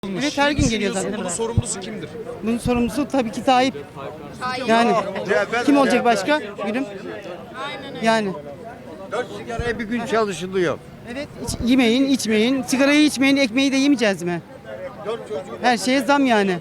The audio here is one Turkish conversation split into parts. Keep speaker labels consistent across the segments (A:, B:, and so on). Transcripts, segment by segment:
A: Evet, her gün geliyor zaten.
B: Bunun sorumlusu kimdir?
A: Bunun sorumlusu tabii ki Tayyip. Yani kim olacak başka? Gülüm. Yani.
C: 4 sigaraya bir gün çalışılıyor.
A: Evet, yemeyin, içmeyin. Sigarayı içmeyin, ekmeği de yemeyeceğiz mi? Her şeye zam yani.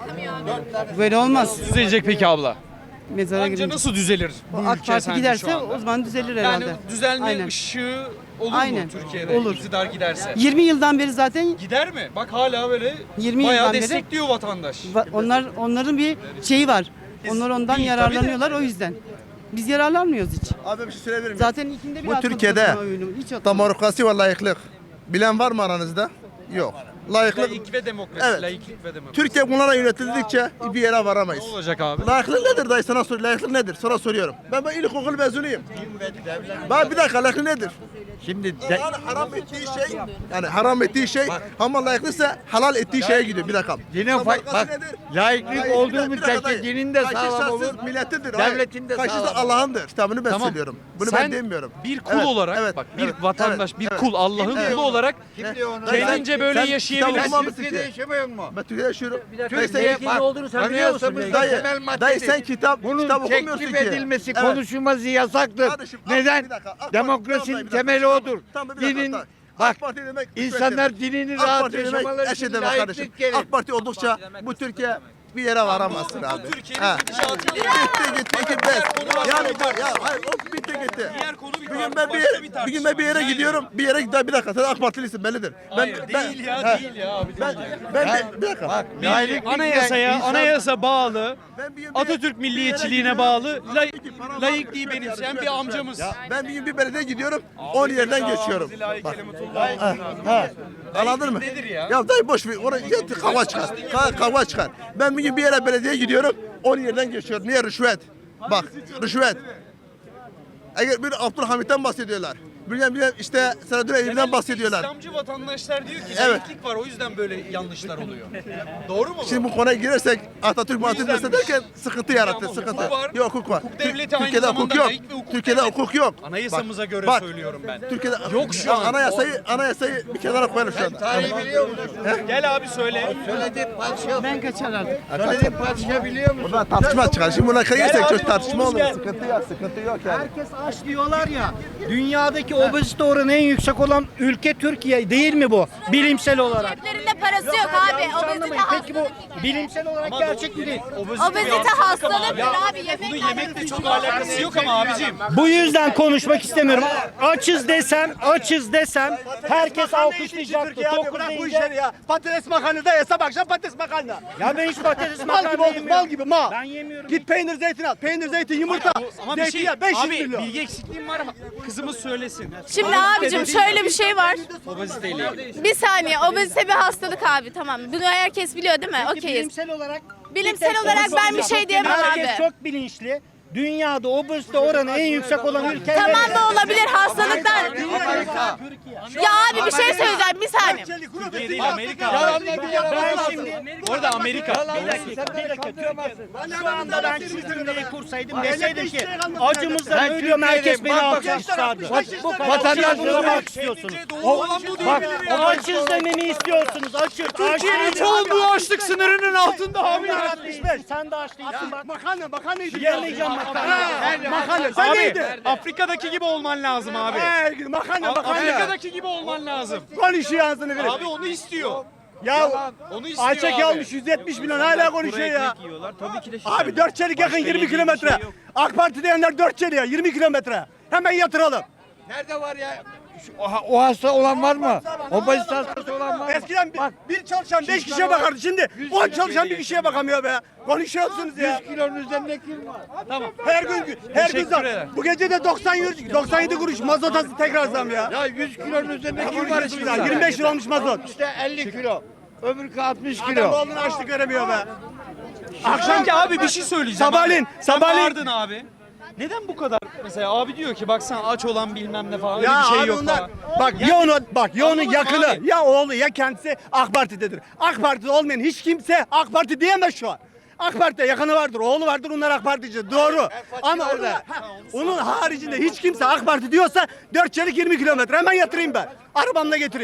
A: Böyle olmaz.
B: Düzelecek peki abla?
A: Mezara
B: Bence
A: girince.
B: nasıl düzelir bu
A: AK
B: ülke
A: Parti
B: sence
A: giderse
B: şu anda?
A: o zaman düzelir herhalde.
B: Yani düzelme
A: Aynen.
B: ışığı olur
A: Aynen.
B: mu Türkiye'de?
A: Olur.
B: İktidar giderse.
A: 20 yıldan beri zaten
B: Gider mi? Bak hala böyle
A: 20
B: bayağı
A: yıldan beri-
B: destekliyor vatandaş.
A: onların bir şeyi var. Onlar ondan
B: değil,
A: yararlanıyorlar o yüzden. Biz yararlanmıyoruz hiç.
D: Abi bir şey söyleyebilir miyim?
A: Zaten ikinde bir
D: Bu
A: atmadık
D: Türkiye'de
A: o oyunu, hiç atmadık.
D: demokrasi ve layıklık. Bilen var mı aranızda? Yok. Layıklık.
B: Laik ve demokrasi.
D: Evet.
B: Laiklik ve demokrasi.
D: Türkiye bunlara yönetildikçe bir yere varamayız.
B: Ne olacak abi?
D: Layıklık nedir dayı sana sor. Layıklık nedir? Sana soruyorum. Ben ilkokul mezunuyum. Ben bir dakika layıklık nedir?
C: Şimdi
D: Yani haram ettiği şey, yani haram ettiği şey ama layıklıksa halal ettiği şeye gidiyor. Bir dakika.
C: yine bak laiklik
D: Dayı,
C: olduğu
D: bir dakika
C: müddetçe
D: dayı.
C: dinin de
D: Kaşık
C: sağlam olur.
D: şahsız milletidir.
C: Devletin de
D: Kaşık da
C: sağlam.
D: Allah'ındır. Kitabını ben
B: Tamam.
D: söylüyorum. Bunu
B: Sen
D: ben demiyorum.
B: bir kul
D: Evet,
B: olarak
D: evet,
B: bak bir
D: evet,
B: vatandaş,
D: evet,
B: bir
D: evet.
B: kul, Allah'ın
D: Evet.
B: kulu olarak
C: Kim diyor onu?
B: kendince böyle
D: sen
B: yaşayabilirsin.
D: kitabı okumamışsın
C: Türkiye'de
D: ki.
C: yaşamıyor mu?
D: Ben Türkiye'de yaşıyorum.
C: Türkiye'ye bak. Anayasamızda temel
D: Dayı
C: maddedir.
D: sen kitap
C: Bunun
D: okumuyorsun
C: teklif
D: ki.
C: edilmesi,
D: Evet.
C: konuşulması yasaktır.
D: Kardeşim,
C: Neden?
D: bir dakika, AK Parti-
C: Demokrasinin
D: tamam, bir dakika.
C: temeli odur.
D: Tamam, bir dakika,
C: Dinin
D: tamam.
C: bak
D: AK Parti demek
C: insanlar
D: rüşvettir.
C: dinini
D: AK
C: rahat
D: Parti demek
C: yaşamaları
D: eşit
C: için
D: demek kardeşim.
C: layıklık gelir.
D: AK Parti oldukça bu Türkiye bir yere varamazsın abi.
B: Türkiye'nin
D: Ha.
B: gidişatı
D: Gitti yani ya hayır o bitti gitti.
B: Diğer konu bir
D: Bir gün ben bir gün ben bir yere gidiyorum. Bir dakika sen AK Partilisin bellidir.
B: Hayır, değil ya, değil ya abi, değil ya.
D: Bir dakika.
C: Bak
B: Bir
C: laiklik
B: anayasaya,
C: insan-
B: anayasa bağlı,
D: Ben bir-
B: Atatürk
D: bir
B: milliyetçiliğine
D: yere
B: bağlı,
D: gidiyorum.
B: laikliği benimseyen bir amcamız.
D: Ben bir gün bir belediye gidiyorum. 10 yerden geçiyorum. Bak. Anladın mı?
B: Nedir ya?
D: Ya dayı boş ver. Oraya git kavga çıkar. Kavga çıkar. Ben bir gün bir yere belediye gidiyorum. 10 yerden geçiyorum. Niye rüşvet? Bak rüşvet. Eğer bir Abdülhamit'ten bahsediyorlar. Bir işte Selahattin Eyyubi'den bahsediyorlar.
B: İslamcı vatandaşlar diyor ki
D: Evet.
B: laiklik var, o yüzden böyle yanlışlar oluyor. Doğru mu bu?
D: Şimdi bu konuya girersek Atatürk
B: yüzdenmiş.
D: derken sıkıntı yarattı.
B: Ama
D: Sıkıntı.
B: hukuk var.
D: Yok hukuk var.
B: Hukuk devleti aynı
D: Türkiye'de hukuk
B: zamanda
D: yok.
B: laik ve hukuk
D: Türkiye'de
B: devleti.
D: hukuk yok.
B: Anayasamıza göre
D: bak,
B: söylüyorum ben.
D: Türkiye'de
B: Yok şu an.
D: Anayasayı bir kenara koyalım şu anda.
C: Tarihi biliyor musun?
B: Gel abi söyle.
C: Söylediğim padişah.
A: Ben kaçar artık.
C: Söylediğim padişah biliyor musun?
D: Burada tartışma çıkar. Şimdi buna girsek
B: abi,
D: çok tartışma
B: Oğuz
D: olur.
B: gel.
D: Sıkıntı yok yani.
E: Herkes aç diyorlar ya. Dünyadaki obezite oranı en yüksek olan ülke Türkiye değil mi bu? Bilimsel olarak.
F: Ceplerinde parası yok abi.
E: Yanlış
F: Obezite
E: anlamayın. Peki bu
F: hastalık.
E: bilimsel olarak gerçek mi değil?
F: Obezite hastalıktır abi.
B: Bunun yemekle çok alakası yok ama abicim.
E: Bu yüzden konuşmak istemiyorum. Açız desem herkes alkışlayacaktı. Tok
G: Bırak bu
E: deyince-
G: işleri ya. Patates makarnada yesem akşam patates makarna.
E: Ya ben hiç patates
G: Mal
E: makarna
G: gibi olduk,
E: yemiyorum.
G: mal gibi mal.
E: Ben yemiyorum.
G: Git peynir zeytin al. Peynir zeytin yumurta.
B: Ama bir şey,
G: Zeytinyağı 500
B: abi
G: milyon.
B: bilgi eksikliğim var ama kızımız söylesin.
F: Şimdi abicim şöyle bir şey var.
B: Obeziteyle ilgili.
F: Bir saniye, obezite bir hastalık abi, tamam. Bunu herkes biliyor değil mi?
E: Peki
F: Okeyiz.
E: bilimsel olarak
F: Bilimsel olarak ben bir şey diyemem
E: herkes
F: abi.
E: çok bilinçli. Dünyada obezite oranı en yüksek olan ülke.
F: Tamam da olabilir hastalıklar. Ya abi bir şey söyleyeceğim, bir saniye.
B: Türkiye değil Amerika.
E: Ben şimdi
B: Orada Amerika.
E: Bir dakika. Şu anda ben şu cümleyi kursaydım deseydim ki acımızdan
C: Ben
E: ölüyorum herkes beni
C: Türkiye'deyim. Bak,
E: alkışlardı. Bu kadar
C: vatandaş
E: bunu
C: bak
E: istiyorsunuz.
B: Olan bu
E: Bak
B: değil.
E: açız dememi istiyorsunuz. Açız.
B: Türkiye'nin çoğunluğu açlık sınırının altında abi.
E: Sen de aç değilsin bak.
G: Makarna yedi.
E: Yemeyeceğim makarna.
G: Makarna. Sen
B: Abi
G: neydin?
B: Afrika'daki gibi olman lazım abi.
G: Makarna.
B: Afrika'daki gibi olman lazım.
G: Konuşuyor ağzını verip.
B: Abi onu istiyor.
G: Ya
B: Onu istiyor
G: Ayçek
B: abi.
G: almış 170 milyon hala konuşuyor ya. Abi 4 çelik yakın 20 kilometre. AK Parti diyenler 4 çeliğe 20 kilometre. Hemen yatıralım.
C: Nerede var ya? O hasta olan var mı? Obezite hastası olan var mı?
G: Eskiden bir çalışan 5 kişiye bakardı. Şimdi 10 çalışan bir kişiye bakamıyor be. Konuşuyorsunuz ya.
C: 100 kilonun üzerinde kim var?
G: Her gün
B: Teşekkür
G: zam.
B: ederim.
G: Bu gece de 97 kuruş mazot hastası tekrar zam ya.
C: Ya 100 kilonun üzerinde kim var şimdi?
G: 25 lira olmuş mazot.
C: İşte 50 kilo. Öbürkü 60
G: Adam
C: kilo.
G: oğlunu açlık göremiyor be.
B: Akşamki abi bir şey söyleyeceğim.
G: Sabahleyin,
B: abi. Sen
G: sabahleyin.
B: bağırdın abi. Neden bu kadar? Mesela abi diyor ki baksana aç olan bilmem ne falan. Öyle
G: Ya
B: bir şey
G: abi
B: yok
G: onlar
B: falan.
G: ya onun
B: Anlamadım
G: yakını
B: abi.
G: ya oğlu ya kendisi AK Parti'dedir. AK Parti'de olmayan hiç kimse AK Parti diyemez şu an. AK Parti'de yakını vardır, oğlu vardır, onlar AK Partici. Doğru. Ama onun haricinde hiç kimse AK Parti diyorsa 4 çelik 20 kilometre hemen yatırayım ben. Arabamla getireyim.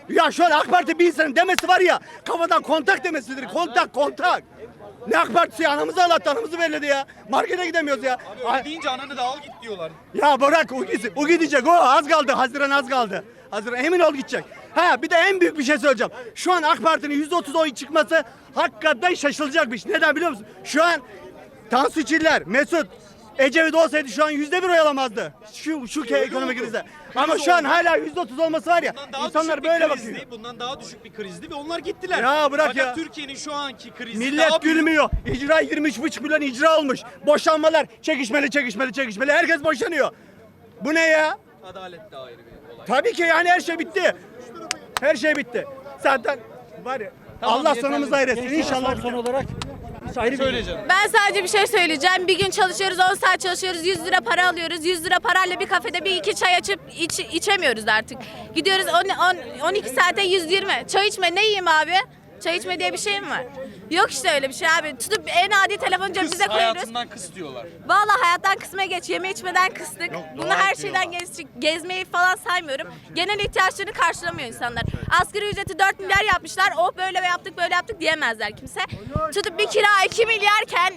G: Ya şu an AK Parti bir insanın demesi var ya, kafadan kontak demesidir. Kontak. Ne AK Partisi ya? Anamızı ağlattı, anamızı belledi ya. Markete gidemiyoruz ya.
B: Öyle deyince ananı da al git diyorlar.
G: Ya bırak o gitsin. O gidecek. O az kaldı. Haziran az kaldı. Haziran emin ol gidecek. Ha bir de en büyük bir şey söyleyeceğim. Şu an AK Parti'nin %30 oy çıkması hakikaten şaşılacak bir şey. Neden biliyor musun? Şu an Tansu Çiller, Mesut, Ecevit olsaydı şu an %1 oy alamazdı. Şu ekonomik krize. Ama şu an hala %30 olması var ya.
B: Bundan daha
G: İnsanlar
B: düşük bir
G: böyle
B: krizdi,
G: bakıyor.
B: Bundan daha düşük bir krizdi ve onlar gittiler.
G: Ya bırak
B: Fakat
G: ya.
B: Türkiye'nin şu anki krizi
G: Millet
B: daha büyük.
G: gülmüyor. İcra 23,5 milyon icra olmuş. Boşanmalar çekişmeli. Herkes boşanıyor. Bu ne ya?
B: Adalet de ayrı bir olay.
G: Tabii ki yani her şey bitti. Her şey bitti. Zaten var ya.
B: Tamam,
G: Allah
B: yeterli.
G: sonumuzu hayretsin. İnşallah. Son olarak
B: Söyleyeceğim.
F: Ben sadece bir şey söyleyeceğim. Bir gün çalışıyoruz, 10 saat çalışıyoruz, 100 lira para alıyoruz. 100 lira parayla bir kafede bir iki çay açıp içemiyoruz artık. Gidiyoruz 12 saate 120. Çay içme ne yiyeyim abi? Çay içme diye bir şey mi var? Yok işte öyle bir şey abi. Tutup en adi telefonu cebimize
B: Kız
F: koyuyoruz.
B: hayatından kıs diyorlar.
F: Vallahi hayattan kısmaya geç. Yeme içmeden kıstık. Bunu her şeyden gezmeyi falan saymıyorum. Genel ihtiyaçlarını karşılamıyor insanlar. Asgari ücreti 4 milyar yapmışlar. Oh böyle böyle yaptık diyemezler kimse. Tutup bir kira 2 milyarken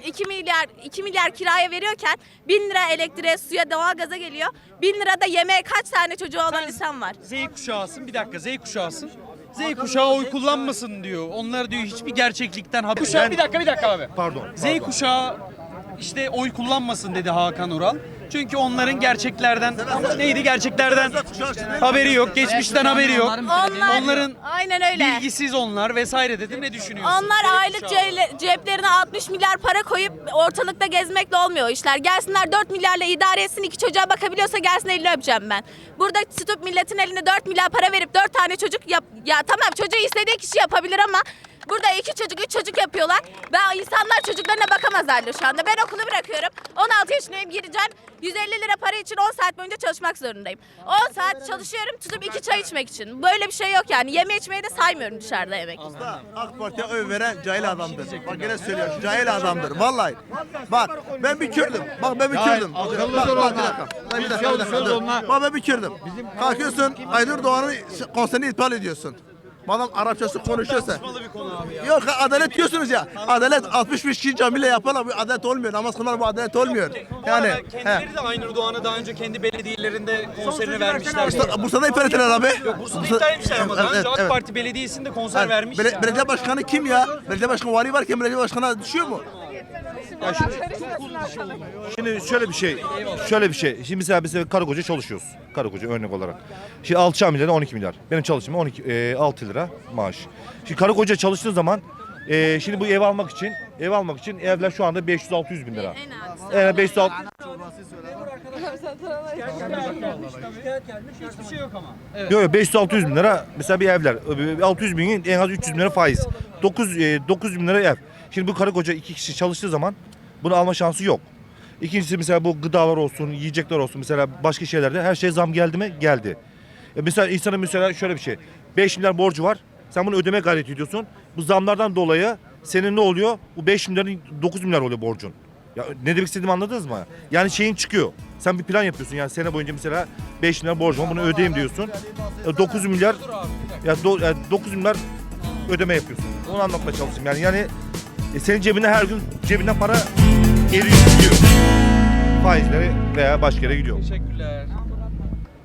F: 2 milyar kiraya veriyorken 1000 lira elektriğe, suya, doğalgaza geliyor. 1000 lira da yemeğe kaç tane çocuğu olan insan var?
B: Z kuşağısın. Bir dakika Z kuşağısın. Z kuşağı oy kullanmasın diyor. Onlar diyor hiçbir gerçeklikten haber. Kuşağı bir dakika abi.
C: Pardon.
B: Z kuşağı işte oy kullanmasın dedi Hakan Ural. Çünkü onların gerçeklerden haberi yok, geçmişten haberi yok. Onların
F: aynen öyle.
B: bilgisiz onlar vesaire dedi. Ne düşünüyorsun?
F: Onlar aylık ceplerine 60 milyar para koyup ortalıkta gezmekle olmuyor o işler. Gelsinler 4 milyarla idare etsin, 2 çocuğa bakabiliyorsa gelsin elini öpeceğim ben. Burada tutup milletin eline 4 milyar para verip 4 tane çocuk ya tamam çocuğu istediği kişi yapabilir ama burada 2 çocuk 3 çocuk yapıyorlar. Ve insanlar çocuklarına bakamaz halde şu anda. Ben okulu bırakıyorum. 16 yaşındayım, gireceğim. 150 lira para için 10 saat boyunca çalışmak zorundayım. 10 saat çalışıyorum tutup 2 çay içmek için. Böyle bir şey yok yani. Yeme içmeyi de saymıyorum dışarıda yemek.
D: AK Parti'ye oy veren cahil adamdır. Bak gene söylüyorum, cahil adamdır. Vallahi. Bak ben bir Kürdüm. Bak ben bir Kürdüm. Bak bir dakika. Bir dakika. Bak ben bir Kürdüm. Kalkıyorsun Aynur Doğan'ın konserini iptal ediyorsun. Madem Arapçası konuşuyorsa. Yok adalet diyorsunuz ya. Adalet 65 kişi camiyle yaparlar. Bu adalet olmuyor. Namaz kılar bu adalet olmuyor. Yani
B: Kendileri de Aynur Doğan'ı daha önce kendi belediyelerinde konserini vermişler.
D: Bursa'da iptal ettiler abi.
B: Bursa'da iptal etmişler ama daha önce AK Parti Belediyesi'nde konser vermiş.
D: Belediye başkanı kim ya? Belediye başkanı vali varken belediye başkanına düşüyor mu?
H: Şimdi şöyle bir şey. Şimdi mesela biz karı koca çalışıyoruz. Karı koca örnek olarak. Şimdi 6 milyar 12 milyar. Benim çalıştığım 6 lira maaş. Şimdi karı koca çalıştığı zaman şimdi bu ev almak için evler şu anda 500-600 bin lira.
F: En az.
H: 500
B: Hiçbir şey yok ama.
H: Yok 500-600 bin lira mesela bir evler. 600 binin en az 300 bin lira faiz. 900 bin lira ev. Şimdi bu karı koca 2 kişi çalıştığı zaman bunu alma şansı yok. İkincisi mesela bu gıdalar olsun, yiyecekler olsun mesela başka şeylerde her şey zam geldi mi? Geldi. Mesela insanın mesela şöyle bir şey. 5 milyar borcu var. Sen bunu ödeme gayreti ediyorsun. Bu zamlardan dolayı senin ne oluyor? Bu 5 milyarın 9 milyar oluyor borcun. Ya ne demek istediğimi anladınız mı? Yani şeyin çıkıyor. Sen bir plan yapıyorsun yani sene boyunca mesela 5 milyar borcum var bunu ödeyeyim diyorsun. 9 milyar 9 milyar ödeme yapıyorsun. Onu anlatmaya çalışayım yani senin cebine her gün cebinden para eriyor gidiyor. Faizlere veya başka yere gidiyor.
B: Teşekkürler.